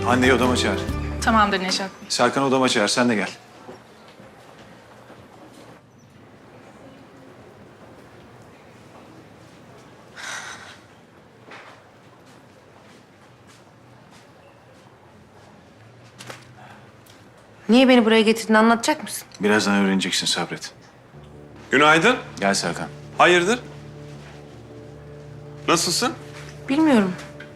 Anneyi odama çağır. Tamamdır Nejat Bey. Serkan odama çağır, sen de gel. Niye beni buraya getirdiğini anlatacak mısın? Birazdan öğreneceksin, sabret. Günaydın. Gel Serkan. Hayırdır? Nasılsın? Bilmiyorum.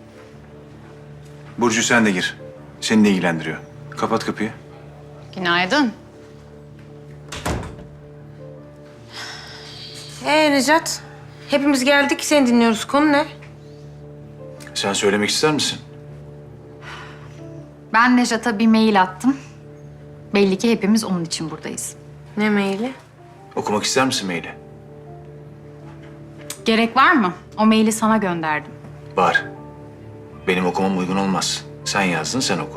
Burcu sen de gir. Seni de ilgilendiriyor. Kapat kapıyı. Günaydın. Necat? Hepimiz geldik, seni dinliyoruz. Konu ne? Sen söylemek ister misin? Ben Nejat'a bir mail attım. Belli ki hepimiz onun için buradayız. Ne maili? Okumak ister misin maili? Gerek var mı? O maili sana gönderdim. Var. Benim okumam uygun olmaz. Sen yazdın, sen oku.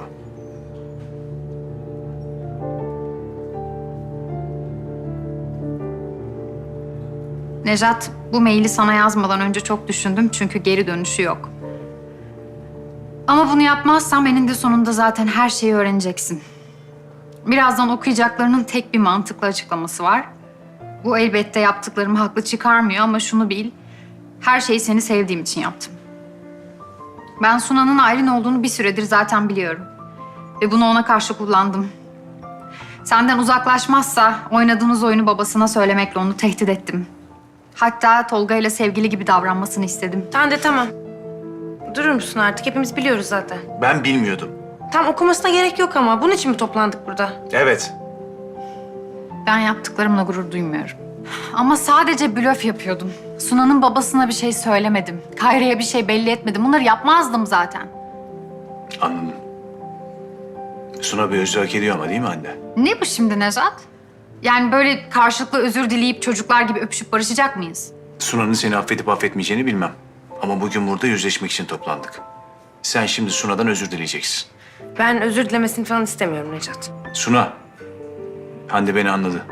Nejat, bu maili sana yazmadan önce çok düşündüm çünkü geri dönüşü yok. Ama bunu yapmazsam eninde sonunda zaten her şeyi öğreneceksin. Birazdan okuyacaklarının tek bir mantıklı açıklaması var. Bu elbette yaptıklarımı haklı çıkarmıyor ama şunu bil. Her şeyi seni sevdiğim için yaptım. Ben Suna'nın Aylin olduğunu bir süredir zaten biliyorum. Ve bunu ona karşı kullandım. Senden uzaklaşmazsa oynadığınız oyunu babasına söylemekle onu tehdit ettim. Hatta Tolga ile sevgili gibi davranmasını istedim. Tamam. Durur musun artık? Hepimiz biliyoruz zaten. Ben bilmiyordum. Tam okumasına gerek yok ama. Bunun için mi toplandık burada? Evet. Ben yaptıklarımla gurur duymuyorum. Ama sadece blöf yapıyordum. Suna'nın babasına bir şey söylemedim. Kayra'ya bir şey belli etmedim. Bunları yapmazdım zaten. Anladım. Suna bir özür hak ediyor ama değil mi anne? Ne bu şimdi Nejat? Yani böyle karşılıklı özür dileyip çocuklar gibi öpüşüp barışacak mıyız? Suna'nın seni affedip affetmeyeceğini bilmem. Ama bugün burada yüzleşmek için toplandık. Sen şimdi Suna'dan özür dileyeceksin. Ben özür dilemesini falan istemiyorum Necat. Suna, Hande beni anladı.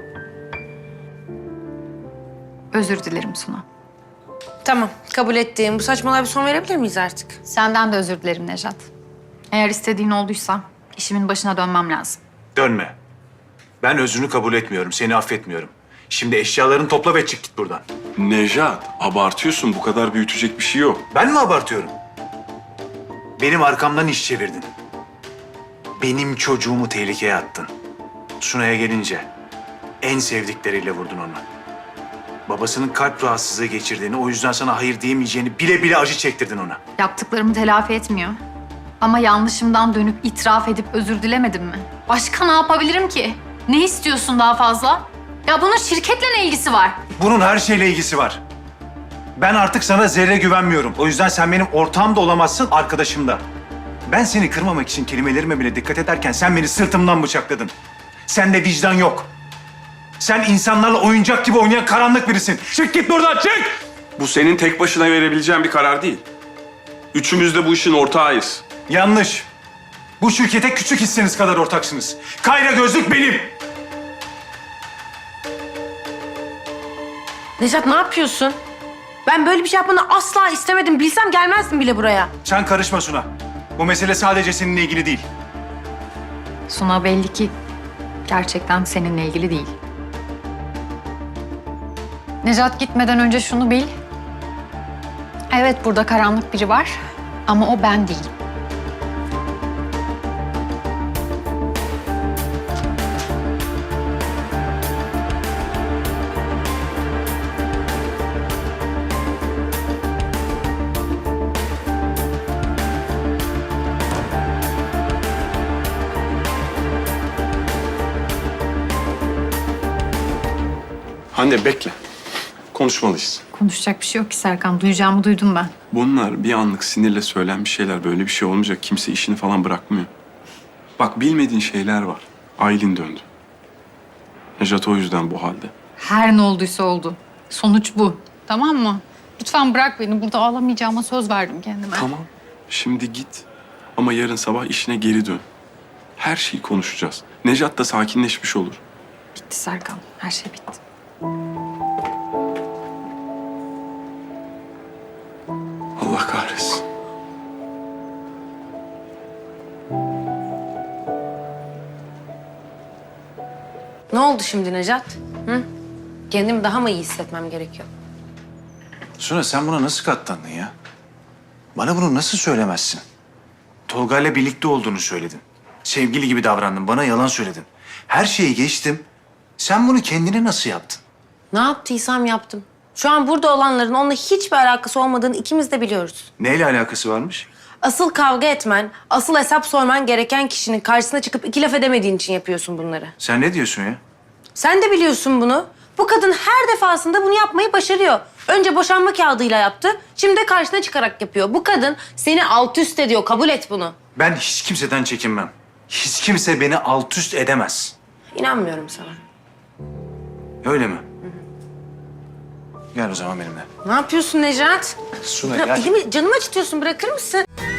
Özür dilerim Suna. Tamam, kabul ettiğim. Bu saçmalığa bir son verebilir miyiz artık? Senden de özür dilerim Nejat. Eğer istediğin olduysa işimin başına dönmem lazım. Dönme. Ben özrünü kabul etmiyorum, seni affetmiyorum. Şimdi eşyalarını topla ve çık git buradan. Nejat, abartıyorsun. Bu kadar büyütecek bir şey yok. Ben mi abartıyorum? Benim arkamdan iş çevirdin. Benim çocuğumu tehlikeye attın. Suna'ya gelince en sevdikleriyle vurdun onu. Babasının kalp rahatsızlığı geçirdiğini, o yüzden sana hayır diyemeyeceğini bile bile acı çektirdin ona. Yaptıklarımı telafi etmiyor. Ama yanlışımdan dönüp itiraf edip özür dilemedim mi? Başka ne yapabilirim ki? Ne istiyorsun daha fazla? Ya bunun şirketle ne ilgisi var? Bunun her şeyle ilgisi var. Ben artık sana zerre güvenmiyorum. O yüzden sen benim ortağım da olamazsın, arkadaşım da. Ben seni kırmamak için kelimelerime bile dikkat ederken sen beni sırtımdan bıçakladın. Sende vicdan yok. Sen insanlarla oyuncak gibi oynayan karanlık birisin. Çık git buradan, çık! Bu senin tek başına verebileceğin bir karar değil. Üçümüz de bu işin ortağıyız. Yanlış. Bu şirkete küçük hisseniz kadar ortaksınız. Kayra gözlük benim. Necat ne yapıyorsun? Ben böyle bir şey yapmanı asla istemedim. Bilsem gelmezdim bile buraya. Sen karışma Suna. Bu mesele sadece seninle ilgili değil. Suna belli ki gerçekten seninle ilgili değil. Nejat gitmeden önce şunu bil. Evet burada karanlık biri var ama o ben değilim. Hande bekle. Konuşmalıyız. Konuşacak bir şey yok ki Serkan. Duyacağımı duydum ben. Bunlar bir anlık sinirle söylenmiş şeyler. Böyle bir şey olmayacak. Kimse işini falan bırakmıyor. Bak bilmediğin şeyler var. Aylin döndü. Nejat o yüzden bu halde. Her ne olduysa oldu. Sonuç bu. Tamam mı? Lütfen bırak beni. Burada ağlamayacağıma söz verdim kendime. Tamam. Şimdi git. Ama yarın sabah işine geri dön. Her şeyi konuşacağız. Nejat da sakinleşmiş olur. Bitti Serkan. Her şey bitti. Allah kahretsin. Ne oldu şimdi Necat? Hı? Kendimi daha mı iyi hissetmem gerekiyor? Suna sen buna nasıl katlandın ya? Bana bunu nasıl söylemezsin? Tolga'yla birlikte olduğunu söyledin. Sevgili gibi davrandın, bana yalan söyledin. Her şeyi geçtim. Sen bunu kendine nasıl yaptın? Ne yaptıysam yaptım. Şu an burada olanların onunla hiçbir alakası olmadığını ikimiz de biliyoruz. Neyle alakası varmış? Asıl kavga etmen, asıl hesap sorman gereken kişinin karşısına çıkıp iki laf edemediğin için yapıyorsun bunları. Sen ne diyorsun ya? Sen de biliyorsun bunu. Bu kadın her defasında bunu yapmayı başarıyor. Önce boşanma kağıdıyla yaptı, şimdi de karşına çıkarak yapıyor. Bu kadın seni alt üst ediyor, kabul et bunu. Ben hiç kimseden çekinmem. Hiç kimse beni alt üst edemez. İnanmıyorum sana. Öyle mi? Gel o zaman benimle. Ne yapıyorsun Necat? Suna Ya, gel. elimi, canımı acıtıyorsun, bırakır mısın?